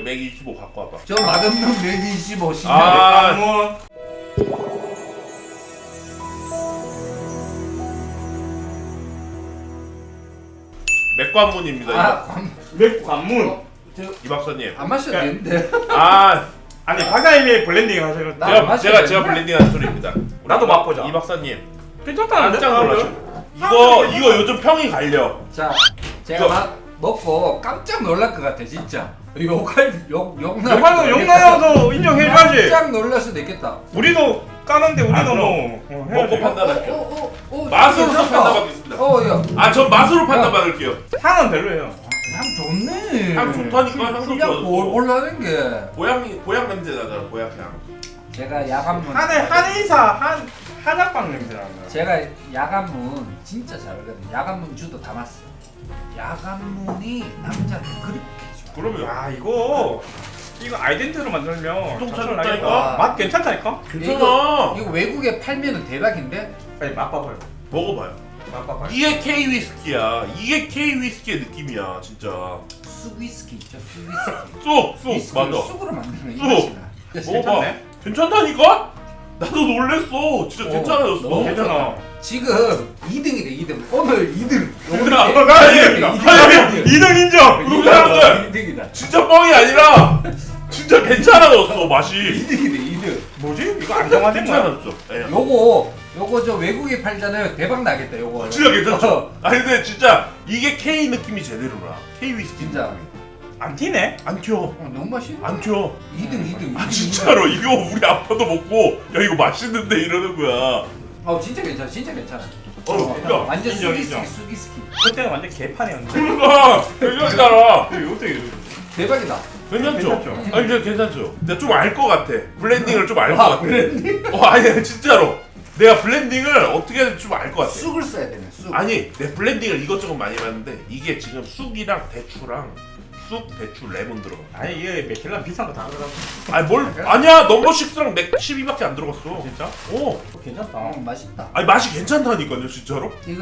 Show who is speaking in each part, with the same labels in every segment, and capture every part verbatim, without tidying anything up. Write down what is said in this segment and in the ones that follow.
Speaker 1: 맥 이십오 갖고 와봐.
Speaker 2: 저 맛없는 맥 이십오 신나.
Speaker 1: 아,
Speaker 3: 뭐
Speaker 1: 맥관문입니다.
Speaker 2: 아,
Speaker 1: 이거.
Speaker 2: 관,
Speaker 3: 맥 관문.
Speaker 2: 어, 저,
Speaker 1: 이 박사님.
Speaker 2: 안 마셔도 되는데.
Speaker 1: 아,
Speaker 3: 아니 박사님이 블렌딩 하셔서
Speaker 2: 나-
Speaker 1: 제가
Speaker 2: 마셔도
Speaker 1: 제가 제가
Speaker 2: 되는데?
Speaker 1: 블렌딩한 소리입니다.
Speaker 3: 나도 맛보자.
Speaker 1: 이 박사님
Speaker 3: 괜찮다는데?
Speaker 1: 깜짝 놀라죠. 이거 이거 요즘 평이 갈려.
Speaker 2: 자, 제가
Speaker 1: 이거-
Speaker 2: 막 먹고 깜짝 놀랄 것 같아 진짜. 욕할 욕 욕나.
Speaker 3: 욕하는 욕나요도 인정해줘야지.
Speaker 2: 깜짝 놀랄 수도 있겠다.
Speaker 3: 우리도 까는데 우리도
Speaker 1: 아, 그럼.
Speaker 3: 뭐 어, 해야지.
Speaker 1: 먹고 판단할게요.
Speaker 2: 어, 어, 어,
Speaker 1: 맛으로
Speaker 2: 괜찮다.
Speaker 1: 판단받겠습니다.
Speaker 2: 어, 야,
Speaker 1: 아, 전 맛으로 판단받을게요.
Speaker 3: 향은 별로예요.
Speaker 2: 향 좋네.
Speaker 1: 향 좋다니까, 향도
Speaker 2: 풀량
Speaker 1: 좋아졌어.
Speaker 2: 볼볼 나는 게.
Speaker 1: 고양이 고양 냄새 나잖아, 고양 향.
Speaker 2: 제가 야간문.
Speaker 3: 한해 한의사 한 한약방 냄새 나는.
Speaker 2: 제가 야간문 진짜 잘하거든요. 야간문 주도 담았어. 야간문이 남자를 그렇게 좋아.
Speaker 1: 그러면
Speaker 3: 야 이거 이거 아이덴티로 만들면
Speaker 1: 똥
Speaker 3: 장난
Speaker 1: 차렸다니까?
Speaker 3: 아니다. 맛 괜찮다니까?
Speaker 1: 괜찮아.
Speaker 2: 이거, 이거 외국에 팔면은 대박인데.
Speaker 3: 빨리 맛봐봐요.
Speaker 1: 먹어봐요.
Speaker 3: 맛봐봐요.
Speaker 1: 이게 K 위스키야. 이게 K 위스키의 느낌이야, 진짜.
Speaker 2: 쑥 위스키 있죠. 쑥 위스키.
Speaker 1: 쑥, 쑥,
Speaker 2: 위스키를
Speaker 1: 맞아.
Speaker 2: 쑥으로 만드는 이
Speaker 1: 쑥.
Speaker 2: 맛이 나.
Speaker 1: 먹어봐.
Speaker 3: 괜찮네?
Speaker 1: 괜찮다니까? 나도 놀랬어. 진짜
Speaker 2: 어,
Speaker 1: 괜찮아졌어.
Speaker 2: 너무
Speaker 3: 괜찮아.
Speaker 2: 지금 이 등이래 이 등. 오늘 이 등.
Speaker 1: 아,
Speaker 2: 오늘
Speaker 1: 나
Speaker 2: 이
Speaker 1: 이게-
Speaker 2: 등.
Speaker 1: 아니,
Speaker 3: 이 등 인정.
Speaker 1: 우리 사람들
Speaker 2: 이 등이다.
Speaker 1: 진짜 뻥이 아니라 진짜 괜찮아졌어, 맛이.
Speaker 2: 이 등이래 이 등.
Speaker 3: 뭐지? 이거 안정화된 거야?
Speaker 1: 괜찮아졌어. 예.
Speaker 2: 요거 요거 저 외국에 팔잖아요. 대박 나겠다 요거.
Speaker 1: 진짜 괜찮죠?
Speaker 2: 어,
Speaker 1: 아니 근데 진짜 이게 K 느낌이 제대로라. K 위스키
Speaker 2: 진짜.
Speaker 1: 느낌이.
Speaker 3: 안 튀네?
Speaker 1: 안 튀어.
Speaker 2: 어, 너무 맛있네.
Speaker 1: 안 튀어.
Speaker 2: 이 등 이 등.
Speaker 1: 아 진짜로 이거 우리 아빠도 먹고 야 이거 맛있는데 이러는 거야.
Speaker 2: 어 진짜 괜찮아. 진짜 괜찮아.
Speaker 1: 어, 그러니까.
Speaker 2: 완전
Speaker 3: 인정,
Speaker 2: 쑥이스키
Speaker 3: 인정.
Speaker 2: 쑥이스키.
Speaker 3: 그때는 완전 개판이었는데.
Speaker 1: 그러니까 괜찮잖아.
Speaker 3: 이거 어떻게 이러지?
Speaker 2: 대박이다.
Speaker 1: 괜찮죠?
Speaker 3: 괜찮죠?
Speaker 1: 아니 그냥 괜찮죠? 내가 좀 알 것 같아. 블렌딩을 좀 알 것
Speaker 2: 아,
Speaker 1: 같아.
Speaker 2: 블렌딩?
Speaker 1: 어 아니 진짜로. 내가 블렌딩을 어떻게 해야 될지 좀 알 것 같아.
Speaker 2: 쑥을 써야 되네. 쑥.
Speaker 1: 아니 내 블렌딩을 이것저것 많이 봤는데 이게 지금 쑥이랑 대추랑 쑥, 대추, 레몬 들어가.
Speaker 3: 아니 이게 맥힐라 비싼 거 다 들어가.
Speaker 1: 아니 뭘 아니야 넘버 식스랑 맥 십이밖에 안 들어갔어.
Speaker 3: 진짜?
Speaker 1: 어.
Speaker 3: 괜찮다.
Speaker 2: 어, 맛있다.
Speaker 1: 아니 맛이 괜찮다니까요 진짜로.
Speaker 2: 이거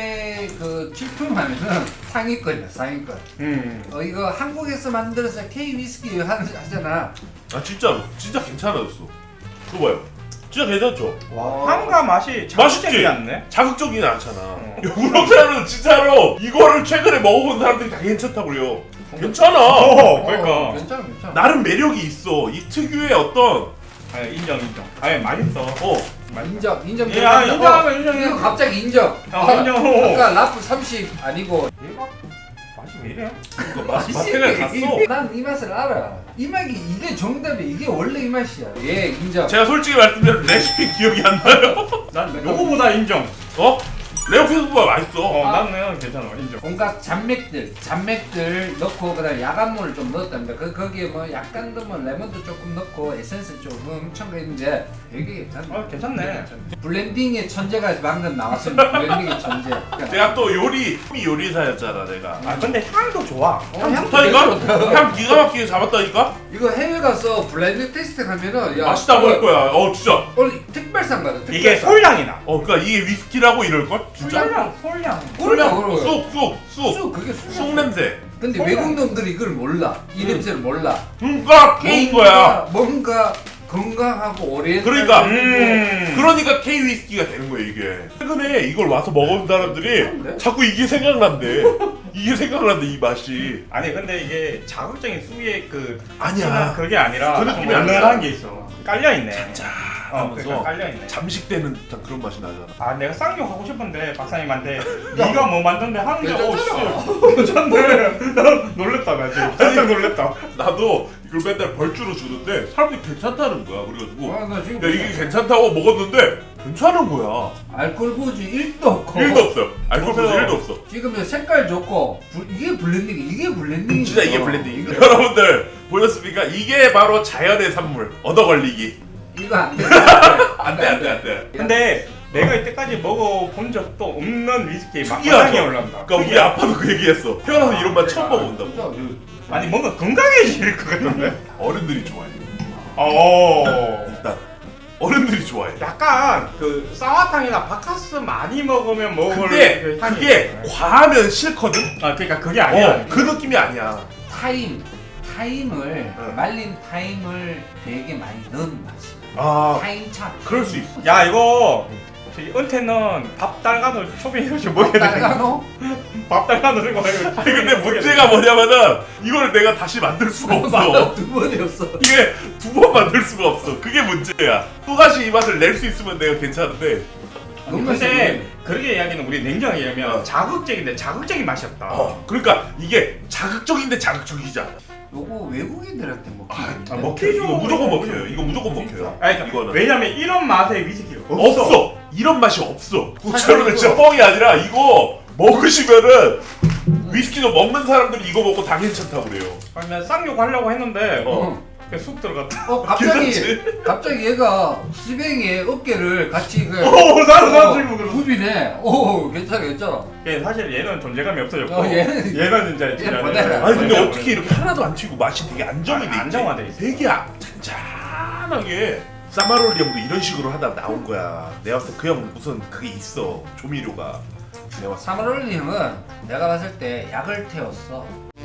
Speaker 2: 해외 그 출품하면은 상위권이야 상위권.
Speaker 3: 음.
Speaker 2: 어 이거 한국에서 만들어서 K 위스키 하- 하잖아.
Speaker 1: 아 진짜로 진짜 괜찮아졌어. 그거 봐요. 진짜 괜찮죠?
Speaker 2: 와.
Speaker 3: 향과 맛이
Speaker 1: 맛있지?
Speaker 3: 자극적이지 않네?
Speaker 1: 자극적이진 않잖아.
Speaker 3: 어.
Speaker 1: 우렁차는 진짜로 이거를 최근에 먹어본 사람들이 다 괜찮다고 그래요. 괜찮아.
Speaker 3: 어,
Speaker 2: 어,
Speaker 3: 그러니까.
Speaker 2: 괜찮아 괜찮아.
Speaker 1: 나름 매력이 있어. 이 특유의 어떤
Speaker 3: 아니 인정 인정. 아니 맛있어.
Speaker 1: 어
Speaker 2: 인정 인정.
Speaker 3: 예, 아,
Speaker 2: 들어간다.
Speaker 3: 인정하면
Speaker 2: 어,
Speaker 3: 인정해.
Speaker 2: 이거 갑자기 인정.
Speaker 3: 아, 인정.
Speaker 2: 아까 라프 삼십 아니고.
Speaker 3: 얘가 맛이 왜 이래?
Speaker 1: 이거 마- 마트를 갔어.
Speaker 2: 난 이 맛을 알아. 이 맛이 이게 정답이야. 이게 원래 이 맛이야. 예 인정.
Speaker 1: 제가 솔직히 말씀드리면 레시피 기억이 안 나요.
Speaker 3: 난 요거보다 인정.
Speaker 1: 어? 레오피스보다 맛있어.
Speaker 3: 어,
Speaker 2: 아.
Speaker 3: 나는 괜찮아 인정.
Speaker 2: 온갖 잔맥들, 잔맥들 넣고 그다음 야간물을 좀 넣었답니다. 그 거기에 뭐 약간 더 뭐 레몬도 조금 넣고 에센스 조금 첨가했는데 되게 괜찮네.
Speaker 3: 어 괜찮네.
Speaker 2: 블렌딩의 천재가 방금 나왔습니다. 블렌딩의 천재. 그러니까
Speaker 1: 내가 또 요리 요리사였잖아 내가.
Speaker 3: 아 근데 향도 좋아.
Speaker 2: 어,
Speaker 1: 향
Speaker 2: 향도
Speaker 1: 좋다니까?
Speaker 2: 되게 좋다.
Speaker 1: 향 기가 막히게 잡았다니까?
Speaker 2: 이거 해외 가서 블렌딩 테스트 가면은 야
Speaker 1: 맛있다고 할 거야. 어 진짜.
Speaker 2: 오늘 특별상 받아. 특별상.
Speaker 3: 이게 솔향이 나.
Speaker 1: 어 그니까 이게 위스키라고 이럴걸? 진짜?
Speaker 3: 솔향 솔향.
Speaker 2: 그러니까
Speaker 1: 술,
Speaker 2: 그러고.
Speaker 1: 쑥, 쑥, 쑥.
Speaker 2: 쑥 그게 쑥.
Speaker 1: 쑥 냄새.
Speaker 2: 근데
Speaker 3: 쑥
Speaker 2: 외국 놈들이 이걸 몰라. 이
Speaker 1: 음.
Speaker 2: 냄새를 몰라.
Speaker 1: 그러니까 좋은 거야.
Speaker 2: 뭔가 건강하고 오래.
Speaker 1: 그러니까.
Speaker 3: 음.
Speaker 1: 그러니까 K 위스키가 되는 거야 이게. 최근에 이걸 와서 먹은 사람들이
Speaker 2: 괜찮은데?
Speaker 1: 자꾸 이게 생각난대. 이게 생각난대 이 맛이.
Speaker 3: 아니 근데 이게 자극적인 쑥의 그
Speaker 1: 아니야.
Speaker 3: 진한 그게 아니라
Speaker 1: 그
Speaker 3: 좀
Speaker 1: 느낌이 아니라.
Speaker 3: 얼큰한 게 있어. 깔려 있네.
Speaker 1: 자
Speaker 3: 어,
Speaker 1: 하면서
Speaker 3: 그러니까 깔려 있네.
Speaker 1: 잠식되는 듯한 그런 맛이 나잖아.
Speaker 3: 아 내가 쌍욕 하고 싶은데 박사님한테 네가 뭐 만든데 하는데
Speaker 2: 괜찮잖아.
Speaker 3: 어 씨, 괜찮네. 난 놀랬다 나 지금 깜짝 놀랬다.
Speaker 1: 나도 이걸 맨날 벌주로 주는데 사람들이 괜찮다는 거야. 그래가지고
Speaker 2: 아, 나 지금
Speaker 1: 야 이게 괜찮다고 먹었는데 괜찮은 거야.
Speaker 2: 알코올 부지 일도 없고.
Speaker 1: 일도 없어요. 알코올 부지
Speaker 3: 없어요.
Speaker 1: 일도 없어.
Speaker 2: 지금 색깔 좋고 불- 이게 블렌딩 이게 블렌딩.
Speaker 1: 진짜 이게 블렌딩. 여러분들 보셨습니까? 이게 바로 자연의 산물. 얻어 걸리기.
Speaker 2: 이거 안 돼.
Speaker 1: 안돼 안돼 안돼.
Speaker 3: 근데 내가 이때까지 먹어본 적도 없는 위스키 맛
Speaker 1: 특이하죠?
Speaker 3: 향이 올라온다.
Speaker 1: 그러니까 우리 아빠도 그 얘기했어. 태어나서 이런 맛 처음 먹어본다고.
Speaker 2: 진짜
Speaker 3: 아니 뭔가 건강해질 것 같은데.
Speaker 1: 어른들이 좋아해.
Speaker 3: 어.
Speaker 1: 일단 어른들이 좋아해.
Speaker 3: 약간 그 쌍화탕이나 바카스 많이 먹으면 먹을
Speaker 1: 근데
Speaker 3: 그 향이
Speaker 1: 그게
Speaker 3: 있어요.
Speaker 1: 과하면 싫거든.
Speaker 3: 아 그러니까 그게 아니야.
Speaker 1: 어, 그 느낌이 아니야.
Speaker 2: 타임 타임을
Speaker 1: 응.
Speaker 2: 말린 타임을 되게 많이 넣은 맛이야.
Speaker 1: 아
Speaker 2: 타임 차.
Speaker 1: 그럴 수 있어.
Speaker 3: 야 이거 저기 은퇴는 밥 달가노 초빙해가지고 먹여야 돼.
Speaker 2: 달가노?
Speaker 3: 밥 달가노 들고 와가지고
Speaker 1: 아니 근데 문제가 뭐냐면은 이걸 내가 다시 만들 수가 없어.
Speaker 2: 두 번이었어.
Speaker 1: 이게 두 번 만들 수가 없어. 그게 문제야. 또 다시 이 맛을 낼 수 있으면 내가 괜찮은데.
Speaker 3: 근데 그렇게 이야기는 우리 냉정하게 얘기하면
Speaker 1: 어.
Speaker 3: 자극적인데 자극적인 맛이 없다.
Speaker 1: 어 그러니까 이게 자극적인데 자극적이지 않아.
Speaker 2: 요거 외국인들한테 먹히는데.
Speaker 1: 아, 먹혀요. 이거 무조건 먹혀요. 이거 무조건 먹혀요.
Speaker 3: 아니, 그러니까
Speaker 1: 이거는
Speaker 3: 왜냐면 이런 맛의 위스키가 없어.
Speaker 1: 없어. 이런 맛이 없어.
Speaker 2: 사실
Speaker 1: 저는 진짜
Speaker 2: 이거-
Speaker 1: 뻥이 아니라 이거 먹으시면은 위스키도 먹는 사람들이 이거 먹고 다 괜찮다고 그래요.
Speaker 3: 아니 난 쌍욕 하려고 했는데
Speaker 1: 어.
Speaker 3: 그냥 쑥 들어갔다.
Speaker 2: 어 갑자기
Speaker 1: 괜찮지?
Speaker 2: 갑자기 얘가 시뱅이의 어깨를 같이 그
Speaker 3: 오 나도 나도
Speaker 2: 어,
Speaker 3: 지금 그러고.
Speaker 2: 굽이네. 오 괜찮아 괜찮아.
Speaker 3: 얘 사실 얘는 존재감이 없어졌고
Speaker 2: 어, 얘는-
Speaker 3: 얘는 진짜
Speaker 2: 얘는 보내라.
Speaker 1: 아니 근데
Speaker 2: 진짜
Speaker 1: 어떻게 이렇게 하나도 안 튀고 맛이 되게 안정이
Speaker 3: 아니,
Speaker 1: 돼 있지?
Speaker 3: 안정화돼 있어.
Speaker 1: 되게 아- 잔잔하게. 사마롤리 형도 이런 식으로 하다 나온 거야. 내가 봤을 때 그 형 무슨 그게 있어. 조미료가. 내가 봤을 때.
Speaker 2: 사마롤리 형은 내가 봤을 때 약을 태웠어.